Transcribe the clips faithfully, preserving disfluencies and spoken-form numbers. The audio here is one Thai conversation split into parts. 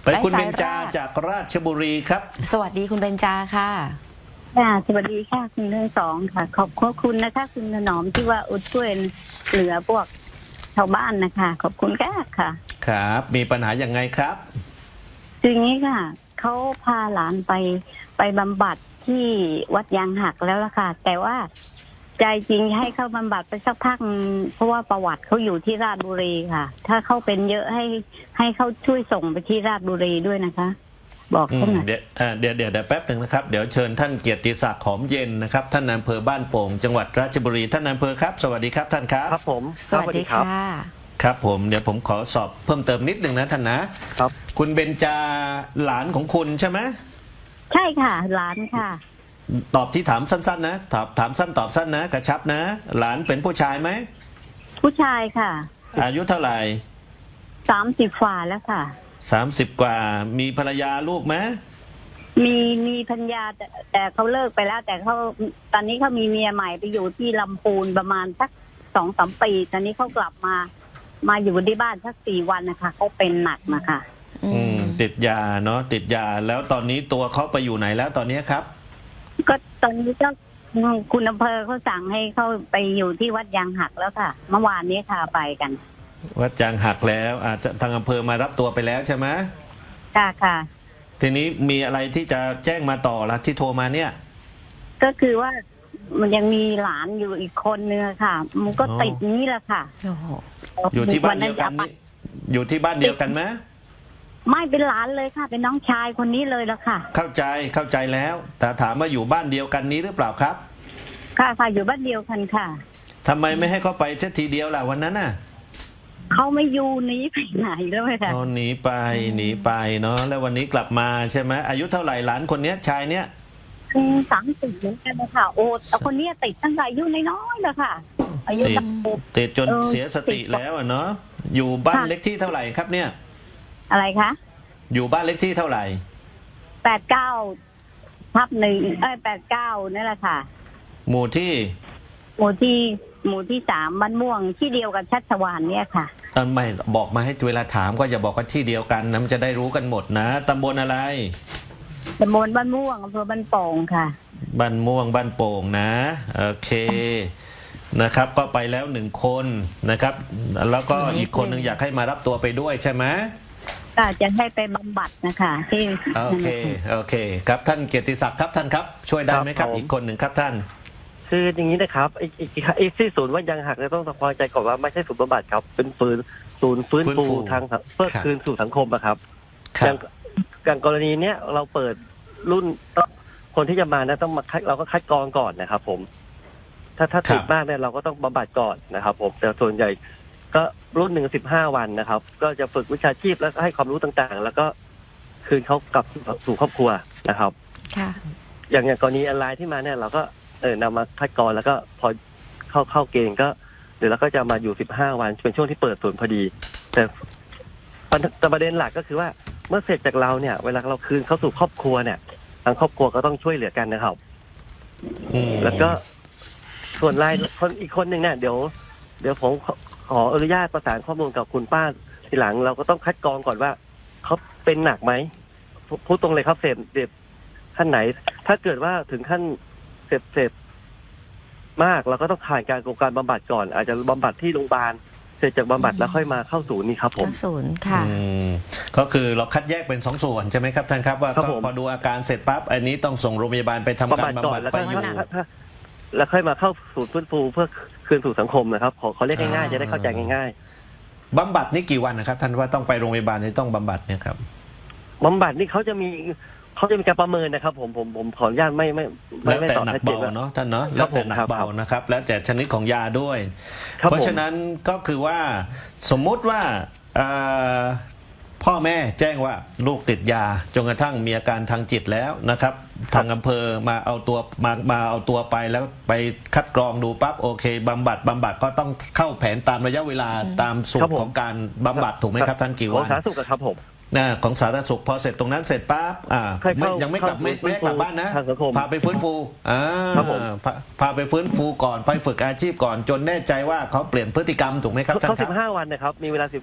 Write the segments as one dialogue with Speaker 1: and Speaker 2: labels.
Speaker 1: ไปคุณเบญจาจากราชบุรีครับ
Speaker 2: สวัสดีคุณเบญจาค่ะ
Speaker 3: ค่ะสวัสดีค่ะคุณทั้งสองค่ะขอบคุณนะคะคุณถนอมที่ว่าอุดช่วยเหลือพวกชาวบ้านนะคะขอบคุณแก่ค่ะ
Speaker 1: ครับมีปัญหาอย่างไงครับ
Speaker 3: คืออย่างนี้ค่ะเขาพาหลานไปไปบำบัดที่วัดยางหักแล้วล่ะค่ะแต่ว่าใจจริงให้เข้าบำบัดไปสักพักเพราะว่าประวัติเขาอยู่ที่ราชบุรีค่ะ ถ้าเขาเป็นเยอะให้ให้เขาช่วยส่งไปที่ราชบุรีด้วยนะคะบอกเขาหน่อย
Speaker 1: เดี๋ยวเดี๋ยวเดี๋ยวแป๊บหนึ่งนะครับเดี๋ยวเชิญท่านเกียรติศักดิ์หอมเย็นนะครับท่านนายอำเภอบ้านโป่งจังหวัดราชบุรีท่านนายอำเภอครับสวัสดีครับท่านครับ
Speaker 4: ครับผม
Speaker 2: สวัสดีค่ะ
Speaker 1: ครับผมเดี๋ยวผมขอสอบเพิ่มเติมนิดหนึ่งนะท่านนะครับคุณเบญจาหลานของคุณใช่ไหม
Speaker 3: ใช่ค่ะหลานค่ะ
Speaker 1: ตอบที่ถามสั้นๆนะถามถามสั้นตอบสั้นนะกระชับนะหลานเป็นผู้ชายไหม
Speaker 3: ผู้ชายค่ะ
Speaker 1: อายุเท่าไหร่
Speaker 3: สามสิบฝ่าแล้วค่ะ
Speaker 1: สามสิบกว่ามีภรรยาลูกไหม
Speaker 3: มีมีภรรยาแต่แต่เขาเลิกไปแล้วแต่เขาตอนนี้เขามีเมียใหม่ไปอยู่ที่ลำพูนประมาณสักสองสามปีตอนนี้เขากลับมามาอยู่ที่บ้านสักสี่วันนะคะเขาเป็นหนักนะคะ
Speaker 1: อืมติดยาเนาะติดยาแล้วตอนนี้ตัวเขาไปอยู่ไหนแล้วตอนนี้ครับ
Speaker 3: ก็ตอนนี้ก็คุณอำเภอเขาสั่งให้เขาไปอยู่ที่วัดยางหักแล้วค่ะเมื่อวานนี้ค่ะไปกัน
Speaker 1: วัดยางหักแล้วอาจจะทางอำเภอมารับตัวไปแล้วใช่ไหม
Speaker 3: ค่ะค่ะ
Speaker 1: ทีนี้มีอะไรที่จะแจ้งมาต่อละที่โทรมาเนี่ย
Speaker 3: ก็คือว่ามันยังมีหลานอยู่อีกคนนึงค่ะมันก็ติดนี้แหละค่ะ
Speaker 1: อยู่ที่บ้านเดียวกันนี่อยู่ที่บ้านเดียวกันไหม
Speaker 3: ไม่เป็นหลานเลยค่ะเป็นน้องชายคนนี้เลยแล้วค่ะ
Speaker 1: เข้าใจเข้าใจแล้วแต่ถามว่าอยู่บ้านเดียวกันนี้หรือเปล่าครับ
Speaker 3: ค่ะค่ะอยู่บ้านเดียวกันค่ะ
Speaker 1: ทำไมไม่ให้เขาไปเช่นทีเดียวล่ะวันนั้นน่ะ
Speaker 3: เขาไม่อยู่หนีไปไหนแล้วค่ะ
Speaker 1: อ๋อหนีไปหนีไปเนาะแล้ววันนี้กลับมาใช่ไหมอายุเท่าไหร่หลานคนเนี้ยชายเนี้ย
Speaker 3: สามสิบเหมือนกันนะคะโอ้แต่คนนี้ติดตั้งแต่อายุน้อยๆเลยค่ะอายุ
Speaker 1: ติดติดจนเสียสติแล้วอ่ะเนาะอยู่บ้านเล็กที่เท่าไหร่ครับเนี่ย
Speaker 3: อะไรคะ
Speaker 1: อยู่บ้านเล็กที่เท่าไหร่
Speaker 3: แปดเก้าทับหนึ่งเอ้ยแปดเก้านี่แหละค่ะ
Speaker 1: หมู่ที่
Speaker 3: หมู่ที่หมู่ที่สามบ้านม่วงที่เดียวกับชัชวาลเนี่ยค่ะ
Speaker 1: ตอนไม่บอกมาให้เวลาถามก็อย่าบอกว่าที่เดียวกันนะมันจะได้รู้กันหมดนะตำบลอะไร
Speaker 3: ตำบลบ้านม่วงอำเภอบ้านโป่งค่ะ
Speaker 1: บ้านม่วงบ้านโป่งนะโอเคนะครับก็ไปแล้วหนึ่งคนนะครับแล้วก็อีกคนหนึ่งอยากให้มารับตัวไปด้วยใช่ไหม
Speaker 3: ก็จะให้ไปบำบัดนะคะที่
Speaker 1: โอเคโอเคครับท่านเกียรติศักดิ์ครับท่านครับช่วยได้ไหมครับอีกคนหนึ่งครับท่าน
Speaker 4: คืออย่างนี้นะครับไอ้ไอ้ที่ศูนย์วัดยางหักเนี่ยต้องทำความใจก่อนว่าไม่ใช่ศูนย์บำบัดครับเป็นฟื้นศูนย์ฟื้นฟูทางเพื่อคืนสู่สังคมอะครับอย่างอย่างกรณีเนี้ยเราเปิดรุ่นคนที่จะมานะต้องมาคัดเราก็คัดกรองก่อนนะครับผมถ้าถ้าติดมากเนี่ยเราก็ต้องบำบัดก่อนนะครับผมแต่ส่วนใหญ่ก็รุ่นหนึ่งสิบห้าวันนะครับก็จะฝึกวิชาชีพแล้วก็ให้ความรู้ต่างๆแล้วก็คืนเขากลับสู่ครอบครัวนะครับ
Speaker 2: ค่ะ
Speaker 4: อย่างอย่างกรณีออนไลน์ที่มาเนี่ยเราก็เออนำมาคัดกรองแล้วก็พอเข้าเข้าเกณฑ์ก็เดี๋ยวเราก็จะมาอยู่สิบห้าวันเป็นช่วงที่เปิดศูนย์พอดีแต่แต่ประเด็นหลักก็คือว่าเมื่อเสร็จจากเราเนี่ยเวลาเราคืนเข้าสู่ครอบครัวเนี่ยทางครอบครัวก็ต้องช่วยเหลือกันนะครับแล้วก็ส่วนรายคนอีกคนหนึ่งเนี่ยเดี๋ยวเดี๋ยวผมขออนุญาตประสานข้อมูลกับคุณป้าทีหลังเราก็ต้องคัดกรองก่อนว่าเขาเป็นหนักไหมพูดตรงเลยครับเสพเสพขั้นไหนถ้าเกิดว่าถึงขั้นเสพเสพมากเราก็ต้องผ่านการโครงการบำบัดก่อนอาจจะบำบัดที่โรงพยาบาลเสร็จจากบำบัดแล้วค่อยมาเข้าศูนย์นี่ครับผม
Speaker 2: เข้าศูนย์ค่ะ
Speaker 1: ก็คือเราคัดแยกเป็นสองส่วนใช่ไหมครับท่านครับว่าพอดูอาการเสร็จปั๊บอันนี้ต้องส่งโรงพยาบาลไปทำการบำบัดไปอยู่
Speaker 4: แล้วค่อยมาเข้าศูนย์ฟื้นฟูเพื่อคืนสู่สังคมนะครับขอเขาเรียกง่ายๆจะได้เข้าใจง่าย
Speaker 1: ๆบำบัดนี่กี่วันนะครับท่านว่าต้องไปโรงพยาบาลที่ต้องบำบัดเนี่ยครับ
Speaker 4: บำบัดนี่เขาจะมีเขาจะมีการประเมินนะครับผมผมผมขออนุญาตไม่ไม่
Speaker 1: แล้วแต่หนักเบาเนาะท่านเนาะแล้วแต่หนักเบานะครับแล้วแต่ชนิดของยาด้วยเพราะฉะนั้นก็คือว่าสมมุติว่าพ่อแม่แจ้งว่าลูกติดยาจนกระทั่งมีอาการทางจิตแล้วนะครับทางอำเภอมาเอาตัวมามาเอาตัวไปแล้วไปคัดกรองดูปั๊บโอเคบำบัดบำบัดก็ต้องเข้าแผนตามระยะเวลาตามสูตรของการบำบัดถูกไหมครับท่านกี่วัน
Speaker 4: ของสาธารณสุขครับผม
Speaker 1: นะของสาธารณสุขพอเสร็จตรงนั้นเสร็จปั๊บอ่ายังไม่กลับไม่ไม่กลับบ้านนะพาไปฟื้นฟูอ่าพาไปฟื้นฟูก่อนไปฝึกอาชีพก่อนจนแน่ใจว่าเขาเปลี่ยนพฤติกรรมถูกไหมครับท่านครับ
Speaker 4: เขาสิบห้าวันนะครับมีเวลาสิบ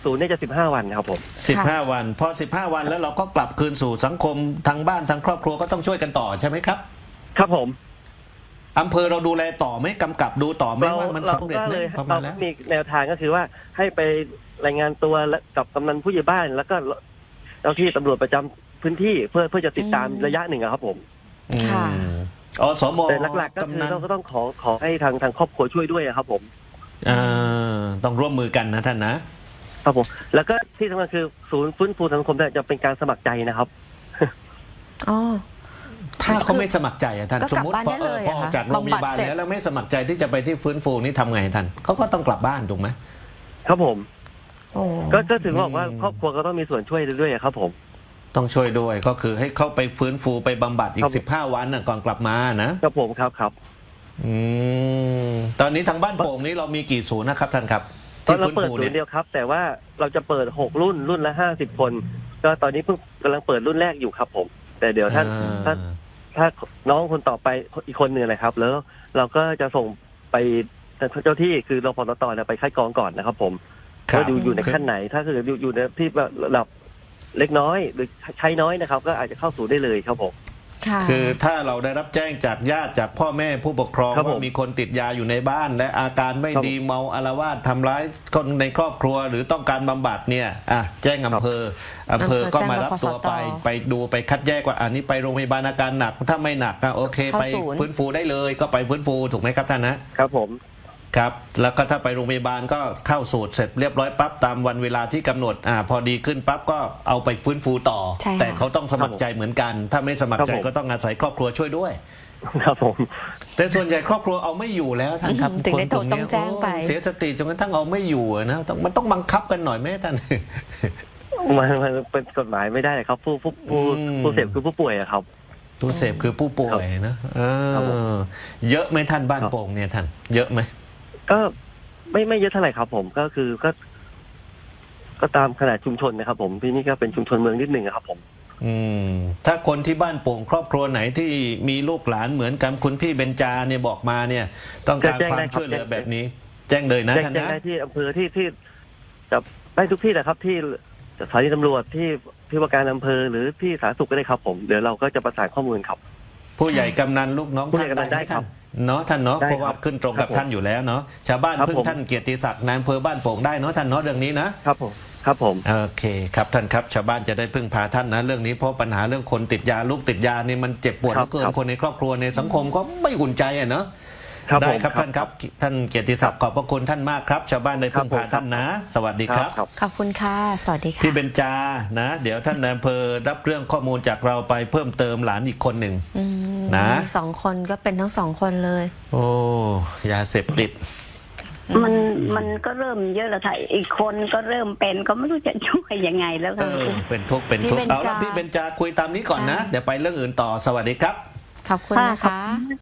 Speaker 4: ศูนย์เนี่ยจะสิบห้าวันครับผม
Speaker 1: สิบห้าวันพอสิบห้าวันแล้วเราก็กลับคืนสู่สังคมทางบ้านทางครอบครัวก็ต้องช่วยกันต่อใช่ไหมครับ
Speaker 4: ครับผม
Speaker 1: อำเภอเราดูแลต่อไหมกำกับดูต่อไหม
Speaker 4: เรา
Speaker 1: ว่ามัน
Speaker 4: เรา
Speaker 1: สำเร็จ
Speaker 4: ก็
Speaker 1: ไหม
Speaker 4: เลย
Speaker 1: ประมา
Speaker 4: เรา
Speaker 1: ณแล้ว
Speaker 4: มีแนวทางก็คือว่าให้ไปรายงานตัวและกับกำนันผู้ใหญ่บ้าน แล้วก็เจ้าที่ตำรวจประจำพื้นที่เพื่อเพื่อจะติดตาม
Speaker 2: อืม
Speaker 4: ระยะหนึ่งอะครับผม
Speaker 2: ค่ะ
Speaker 1: อืมอสม
Speaker 4: แต่หลักๆก็คื
Speaker 1: กำ
Speaker 4: อ
Speaker 1: นัน
Speaker 4: เราก็ต้องขอขอให้ทางทางครอบครัวช่วยด้วยอะครับผม
Speaker 1: อ่าต้องร่วมมือกันนะท่านนะ
Speaker 4: ครับผมแล้วก็ที่สำคัญคือศูนย์ฟื้นฟูสังคมเนี่ยจะเป็นการสมัครใจนะครับ
Speaker 2: อ๋อ
Speaker 1: ถ้าเขาไม่สมัครใจอะท่าน
Speaker 2: ก็
Speaker 1: ส
Speaker 2: ก
Speaker 1: ม
Speaker 2: ลับ
Speaker 1: มติ
Speaker 2: บ้าน
Speaker 1: พอ
Speaker 2: ได้
Speaker 1: เอ
Speaker 2: เล
Speaker 1: อย พอ
Speaker 2: อะ
Speaker 1: อ
Speaker 2: คะ
Speaker 1: อกจากโรงพยาบาล
Speaker 2: บำบัดเสร็จ
Speaker 1: แล้วแล้วไม่สมัครใจที่จะไปที่ฟื้นฟูนี่ทำไงท่านเขาก็ต้องกลับบ้านถูกไหม
Speaker 4: ครับผม
Speaker 2: โอ้
Speaker 4: ก็ก็ถึงบอกว่า
Speaker 1: อืม
Speaker 4: ครอบครัวก็ต้องมีส่วนช่วยด้วยอะครับผม
Speaker 1: ต้องช่วยด้วยก็คือให้เข้าไปฟื้นฟูไปบำบัดอี
Speaker 4: ครั
Speaker 1: ก
Speaker 4: บ
Speaker 1: สิบห้าวันน่ะก่อนกลับมานะครับ
Speaker 4: ผมครับครับ
Speaker 1: อืมตอนนี้ทางบ้านโป่งนี้เรามีกี่ศูนย์นะครับท่านครับ
Speaker 4: ตอน
Speaker 1: ที่
Speaker 4: เรา
Speaker 1: ฟื้น
Speaker 4: เปิด
Speaker 1: ฟู
Speaker 4: ศู
Speaker 1: เนี่
Speaker 4: น
Speaker 1: ย
Speaker 4: ย์เดียวครับ แต่ว่าเราจะเปิดหกรุ่นรุ่นละห้าสิบคน ก็ตอนนี้เพิ่งกำลังเปิดรุ่นแรกอยู่ครับผม แต่เดี๋ยวถ้า
Speaker 1: อ่า
Speaker 4: ถ้าถ้าน้องคนต่อไปอีกคนหนึ่งนะครับ แล้วเราก็จะส่งไปเจ้าที่คือรพตเนี่ยไปคัดกรองก่อนนะครับผม
Speaker 1: ครับ
Speaker 4: ว่าอยู่อยู่ในขั้นไหน ถ้าเกิดอยู่อยู่ในที่แบบระดับเล็กน้อยหรือใช้น้อยนะครับ ก็อาจจะเข้าสู่ได้เลยครับผม
Speaker 2: ค่ะ
Speaker 1: คือถ้าเราได้รับแจ้งจากญาติจากพ่อแม่ผู้ปกครอง
Speaker 4: ครับผม
Speaker 1: ว่ามีคนติดยาอยู่ในบ้าน และอาการไม่
Speaker 4: ครับ
Speaker 1: ดีเมาอาละวาดทำร้ายคนในครอบครัวหรือต้องการบำบัดเนี่ยอ่ะแจ้งอำเภออำเภอก็มารับตัวไป ไปดูไปคัดแยกว่าอันนี้ไปโรงพยาบาลอาการหนักถ้าไม่หนักก็โอเค
Speaker 2: เข้า
Speaker 1: ไป
Speaker 2: ศูนย์
Speaker 1: ฟื้นฟูได้เลยก็ไปฟื้นฟูถูกไหมครับท่านนะครับ
Speaker 4: ผม
Speaker 1: ครับแล้วก็ถ้าไปโรงพยาบาลก็เข้าสูตรเสร็จเรียบร้อยปั๊บตามวันเวลาที่กำหนดอ่าพอดีขึ้นปั๊บก็เอาไปฟื้นฟูต่อ
Speaker 2: ใช่ค่ะ
Speaker 1: แต่เขาต้องสมัครใจเหมือนกัน ถ้าไม่สมัครใจ
Speaker 4: ครับผม
Speaker 1: ก็ต้องอาศัยครอบครัวช่วยด้วย
Speaker 4: ครับผม
Speaker 1: แต่ส่วนใหญ่ครอบครัวเอาไม่อยู่แล้วท่านครับ
Speaker 2: อืมถึงได้
Speaker 1: คนกลุ่ม
Speaker 2: โทรต้องแจ้งไป
Speaker 1: โอ้เสียสติจนกระทั่งเอาไม่อยู่อะนะต้องมันต้องบังคับกันหน่อยไหมท่าน
Speaker 4: มันมันเป็นกฎหมายไม่ได้เลยครับ ผู้ผู้ผู้
Speaker 1: อืม
Speaker 4: ผู้เสพคือผู้ป่วยอะครับ
Speaker 1: ผู้เสพคือผู้ป่วยนะเอ
Speaker 4: ครับผม
Speaker 1: อเยอะไหมท่านบ้าน
Speaker 4: ครับ
Speaker 1: โป่งเนี่ยท่านเยอะไหม
Speaker 4: ก็ไม่ไม่เยอะเท่าไหร่ครับ ผมก็คือก็ ก็ตามขนาดชุมชนนะครับ ผมที่นี่ก็เป็นชุมชนเมืองนิดหนึ่งอะครับ ผม
Speaker 1: อืมถ้าคนที่บ้านโป่งครอบครัวไหนที่มีลูกหลานเหมือนกับคุณพี่เบญจาเนี่ยบอกมาเนี่ย ต้องการ
Speaker 4: แจ้ง
Speaker 1: ความ
Speaker 4: ได้ครับ
Speaker 1: ช่วยเหลือแบบนี้ แจ้งเลยนะ
Speaker 4: แจ้ง
Speaker 1: ท่าน
Speaker 4: แจ้ง
Speaker 1: นะ
Speaker 4: ได้ที่อำเภอที่ที่จะได้ทุกที่แหละครับ ที่สถานีตำรวจที่ที่ว่าการอำเภอหรือที่สาธารณสุขก็ได้ครับ ผมเดี๋ยวเราก็จะประสานข้อมูลครับ
Speaker 1: ผู้ใหญ่กำนันลูกน้อง
Speaker 4: ผู้ใหญ่
Speaker 1: ท่าน
Speaker 4: กำนันได้
Speaker 1: ไหม
Speaker 4: ครั
Speaker 1: ท่า
Speaker 4: บ
Speaker 1: นเนาะท่านเนาะ
Speaker 4: ได้
Speaker 1: เพราะว่า
Speaker 4: ครับ
Speaker 1: ขึ้นตรงกับ
Speaker 4: ครับผม
Speaker 1: ท่านอยู่แล้วเนาะชาวบ้าน
Speaker 4: ครับ
Speaker 1: พึ่ง
Speaker 4: ผม
Speaker 1: ท่านเกียรติศักดิ์นายอำเภอบ้านโป่งได้เนาะท่านเนาะเรื่องนี้นะครับ
Speaker 4: ผมครับผม
Speaker 1: โอเคครับท่านครับชาวบ้านจะได้พึ่งพาท่านนะเรื่องนี้เพราะปัญหาเรื่องคนติดยาลูกติดยานี่มันเจ็บปวดเหลือเกินคนในครอบครัวในสังคมก็ไม่อุ่นใจอ่ะเนาะ
Speaker 4: ครับ
Speaker 1: ได้
Speaker 4: ผม
Speaker 1: ครับท่านครับท่านเกียรติศักดิ์ขอบพระคุณท่านมากครับ ชาวบ้านได้พึ่งพาท่านนะ สวัสดีครับ
Speaker 4: ครับ
Speaker 2: ขอบคุณค่ะ สวัสดีค่ะ
Speaker 1: พี่เบญจานะ เดี๋ยวท่านนายอำเภอรับเรื่องข้อมูลจากเราไปเพิ่มเติมหลานอีกคนหนึ่ง
Speaker 2: อืม
Speaker 1: นะ
Speaker 2: มีสองคนก็เป็นทั้งสองคนเลย
Speaker 1: โอ้ยาเสพติด
Speaker 3: มันมันก็เริ่มเยอะแล้วค่ะอีกคนก็เริ่มเป็นก็ไม่รู้จะช่วยยังไงแล้ว
Speaker 1: เอ
Speaker 3: ค่ะ
Speaker 1: อเป็นทุกข์เป็นทุกข์
Speaker 2: พี่เบญจา
Speaker 1: เอาละพี่เบญจาคุยตามนี้ก่อนนะ
Speaker 2: ค่ะ
Speaker 1: เดี๋ยวไปเรื่องอื่นต่อสวัสดีครับ
Speaker 2: ขอบคุณ
Speaker 3: ค่ะ
Speaker 2: นะคะ